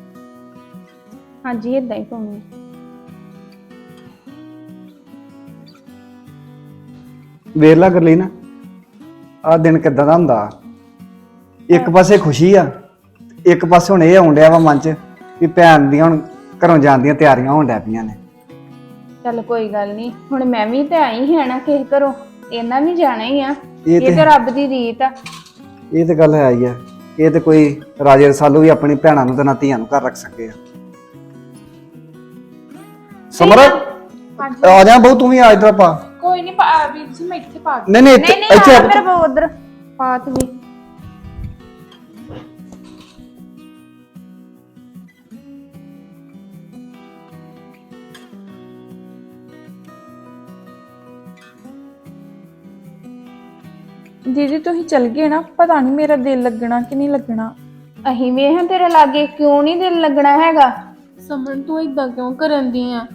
Speaker 2: ਹਾਂਜੀ ਏਦਾਂ ਹੀ ਪਾਉਣੀ।
Speaker 3: ਵੇਖ ਲਾ ਕਰ ਲਈ ਨਾ ਆ ਦਿਨ ਕਿੱਦਾਂ ਦਾ ਹੁੰਦਾ। ਇੱਕ ਪਾਸੇ ਖੁਸ਼ੀ ਆ, ਇੱਕ ਪਾਸੇ ਹੁਣ ਇਹ ਆਉਣ ਡਿਆ ਵਾ ਮਨ ਚ ਵੀ ਭੈਣ ਦੀਆਂ ਹੁਣ ਘਰੋਂ ਜਾਣ ਦੀਆਂ ਤਿਆਰੀਆਂ ਹੋਣ ਡੈ ਪਈਆਂ ਨੇ।
Speaker 2: ਚੱਲ ਕੋਈ ਗੱਲ ਨਹੀਂ, ਹੁਣ ਮੈਂ ਵੀ ਤੇ ਆਈ ਹੀ ਆ ਨਾ ਕਿਸੇ ਘਰੋਂ, ਇਹਨਾਂ ਵੀ ਜਾਣਾ ਹੀ ਆ।
Speaker 3: ਇਹ
Speaker 2: ਇਹ
Speaker 3: ਤੇ
Speaker 2: ਤੇ ਰੱਬ ਦੀ ਰੀਤ ਆ।
Speaker 3: ਇਹ ਤੇ ਗੱਲ ਹੈ ਹੀ ਆ। ਇਹ ਤੇ ਕੋਈ ਰਾਜੇ ਰਸਾਲੂ ਵੀ ਆਪਣੀ ਭੈਣਾਂ ਨੂੰ ਤੇ ਨਾ ਧੀਆਂ ਨੂੰ ਘਰ ਰੱਖ ਸਕੇ ਆ। ਸਮਰ ਆ ਜਾ ਬਹੁ, ਤੂੰ ਵੀ ਆ ਇਧਰ ਪਾ।
Speaker 5: ਕੋਈ ਨਹੀਂ ਵੀਰ ਜੀ ਮੈਂ ਇੱਥੇ ਪਾ
Speaker 3: ਨਹੀਂ ਨਹੀਂ
Speaker 2: ਨਹੀਂ
Speaker 3: ਇੱਥੇ
Speaker 2: ਨਹੀਂ
Speaker 3: ਇੱਥੇ
Speaker 2: ਆ
Speaker 3: ਆ।
Speaker 2: ਮੇਰੇ ਕੋ ਉਧਰ ਪਾਤ ਵੀ।
Speaker 5: ਦੀਦੀ ਤੁਸੀਂ ਚਲ ਗਏ ਨਾ, ਪਤਾ ਨਹੀਂ ਮੇਰਾ ਦਿਲ ਲੱਗਣਾ ਕਿ ਨਹੀਂ ਲੱਗਣਾ।
Speaker 2: ਅਹੀਂ ਵੇਹਾਂ ਤੇਰੇ ਲਾਗੇ ਕਿਉਂ ਨਹੀਂ ਦਿਲ ਲੱਗਣਾ ਹੈਗਾ।
Speaker 1: ਸਮਣ ਤੂੰ ਇਦਾਂ ਕਿਉਂ ਕਰਨ ਦੀ ਆ?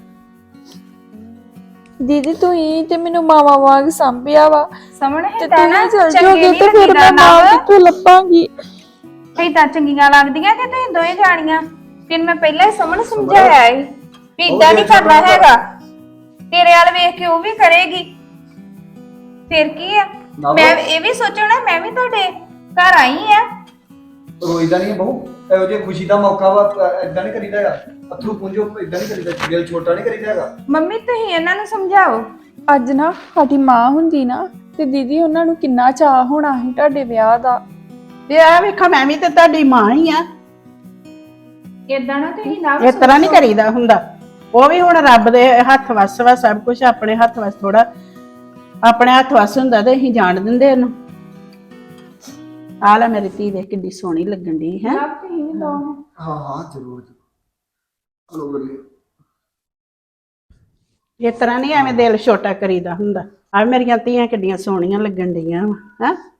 Speaker 5: ਦੀਦੀ ਤੁਸੀਂ ਤੇ ਮੈਨੂੰ ਮਾਵਾ ਵਾਂਗ ਸੰਭਿਆ ਵਾ,
Speaker 2: ਸਮਣ
Speaker 5: ਤੇ
Speaker 2: ਹੈ ਨਾ
Speaker 5: ਤੁਸੀਂ ਚਲ
Speaker 2: ਚੰਗੇ
Speaker 5: ਜਾਓਗੇ
Speaker 2: ਨੀ
Speaker 5: ਤੇ ਫਿਰ
Speaker 2: ਲੱਗੀਦਾ
Speaker 5: ਮੈਂ ਮਾਂ
Speaker 2: ਨਵ।
Speaker 5: ਕਿੱਥੋਂ ਲੱਭਾਂਗੀ?
Speaker 2: ਏਦਾਂ ਚੰਗੀਆਂ ਲੱਗਦੀਆਂ ਕਿ ਤੁਸੀਂ ਦੋਵੇਂ ਜਾਣੀਆਂ। ਤੈਨੂੰ ਮੈਂ ਪਹਿਲਾਂ ਹੀ ਸਮਣ ਸਮਝਾਇਆ ਸੀ ਵੀ ਏਦਾਂ ਨਹੀਂ ਕਰਨਾ ਹੈਗਾ। ਤੇਰੇ ਵਾਲ ਵੇਖ ਕੇ ਉਹ ਵੀ ਕਰੇਗੀ, ਫਿਰ ਕੀ ਆ। ਮੈਂ ਇਹ ਵੀ ਸੋਚਣਾ ਮੈਂ ਵੀ ਤੁਹਾਡੇ ਘਰ ਆਈ ਆ।
Speaker 3: ਰੋਈਦਾ ਨਹੀਂ ਬਹੁ, ਇਹੋ ਜਿਹੀ ਖੁਸ਼ੀ ਦਾ ਮੌਕਾ ਵਾ, ਇਦਾਂ ਨਹੀਂ ਕਰੀਦਾ ਹੈਗਾ। ਅਥਰੂ ਪੁੰਜੋ ਇਦਾਂ ਨਹੀਂ ਕਰੀਦਾ, ਦਿਲ ਛੋਟਾ ਨਹੀਂ ਕਰੀਦਾ ਹੈਗਾ।
Speaker 2: ਮੰਮੀ ਤੁਸੀਂ ਇਹਨਾਂ ਨੂੰ ਸਮਝਾਓ।
Speaker 5: ਅੱਜ ਨਾ ਸਾਡੀ ਮਾਂ ਹੁੰਦੀ ਨਾ ਤੇ ਦੀਦੀ ਉਹਨਾਂ ਨੂੰ ਕਿੰਨਾ ਚਾਹ ਹੋਣਾ ਸੀ ਤੁਹਾਡੇ ਵਿਆਹ ਦਾ।
Speaker 7: ਤੇ ਆ ਵੇਖੋ ਮੈਂ ਵੀ ਤੇ ਤੁਹਾਡੀ ਮਾਂ ਹੀ ਆ।
Speaker 2: ਏਦਾਂ ਨਾ ਤੁਸੀਂ ਨਾ
Speaker 7: ਇਸ ਤਰ੍ਹਾਂ ਨਹੀਂ ਕਰੀਦਾ ਹੁੰਦਾ। ਉਹ ਵੀ ਹੁਣ ਰੱਬ ਦੇ ਹੱਥ ਵੱਸ ਵਾ ਸਭ ਕੁਝ, ਆਪਣੇ ਹੱਥ ਵੱਸ ਥੋੜਾ ਆਪਣੇ ਹੱਥ ਵੱਸ ਹੁੰਦਾ ਤੇ ਅਸੀਂ ਜਾਣ ਦਿੰਦੇ ਇਹਨੂੰ। ਆ ਲੈ ਮੇਰੀ ਧੀ ਦੇ ਕਿੱਡੀ ਸੋਹਣੀ ਲੱਗਣ ਦੀ ਹੈ।
Speaker 2: ਆਪ ਤੁਸੀਂ ਵੀ ਲਓ।
Speaker 3: ਹਾਂ ਹਾਂ ਜ਼ਰੂਰ ਜ਼ਰੂਰ। ਹਲੋ ਬੱਲੇ।
Speaker 7: ਇਸ ਤਰ੍ਹਾਂ ਨਹੀਂ ਐਵੇਂ ਦਿਲ ਛੋਟਾ ਕਰੀਦਾ ਹੁੰਦਾ। ਆ ਮੇਰੀਆਂ ਧੀਆਂ ਕਿੱਡੀਆਂ ਸੋਹਣੀਆਂ ਲੱਗਣ ਡੀਆਂ ਵਾ ਹੈ।